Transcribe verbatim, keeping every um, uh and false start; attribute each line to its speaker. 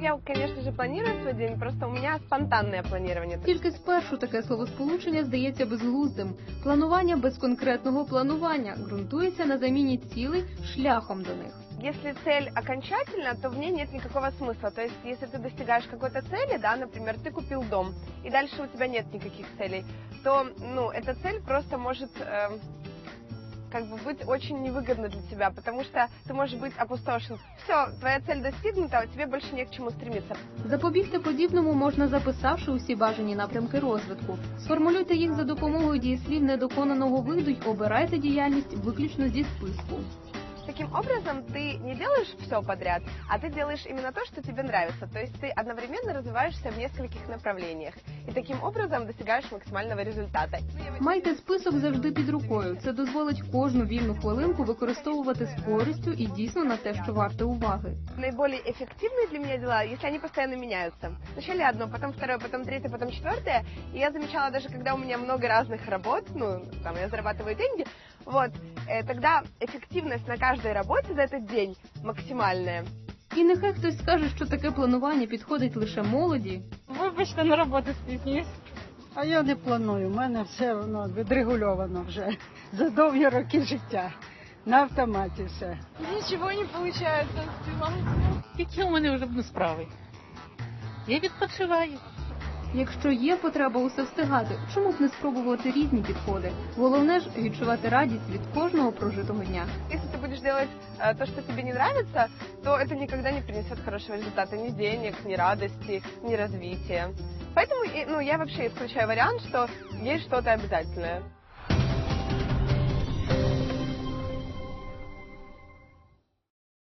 Speaker 1: Я, конечно же, планирую свой день, просто у меня спонтанное планирование.
Speaker 2: Тільки спершу таке словосполучення здається безглуздим. Планування без конкретного планування ґрунтується на заміні цілей шляхом до них.
Speaker 1: Если цель окончательна, то в ней нет никакого смысла. То есть, если ты достигаешь какой-то цели, да, например, ты купил дом, и дальше у тебя нет никаких целей, то, ну, эта цель просто может, э, как бы, быть очень невыгодна для тебя, потому что ты можешь быть опустошен. Все, твоя цель достигнута, а тебе больше не к чему стремиться.
Speaker 2: Запобігти подібному можна, записавши усі бажані напрямки розвитку. Сформулюйте їх за допомогою дієслів недоконаного виду й обирайте діяльність виключно зі списку.
Speaker 1: Таким образом, ты не делаешь все подряд, а ты делаешь именно то, что тебе нравится. То есть ты одновременно развиваешься в нескольких направлениях. И таким образом достигаешь максимального результата.
Speaker 2: Майте список завжди під рукою. Це дозволить кожну вільну хвилинку використовувати з користю і дійсно на те, що варте уваги.
Speaker 1: Наиболее эффективные для меня дела, если они постоянно меняются. Вначале одно, потом второе, потом третье, потом четвертое. И я замечала, даже когда у меня много разных работ, ну, там, я зарабатываю деньги, вот, э, тогда эффективность на каждой работе за этот день максимальная.
Speaker 2: І нехай хтось скаже, що таке планування підходить лише молоді.
Speaker 3: Вибачте, на роботу спізнююсь.
Speaker 4: А я не планую, у мене все воно відрегульовано вже за довгі роки життя. На автоматі все.
Speaker 3: Нічого не виходить співати.
Speaker 5: Які у мене вже будуть справи? Я відпочиваю.
Speaker 2: Якщо є потреба усе встигати, чому б не спробувати різні підходи? Головне ж відчувати радість від кожного прожитого дня.
Speaker 1: Если ты будешь делать э, то, что тебе не нравится, то это никогда не принесет хорошего результата, ни денег, ни радости, ни развития. Поэтому, и, ну, я вообще исключаю вариант, что есть что-то обязательное.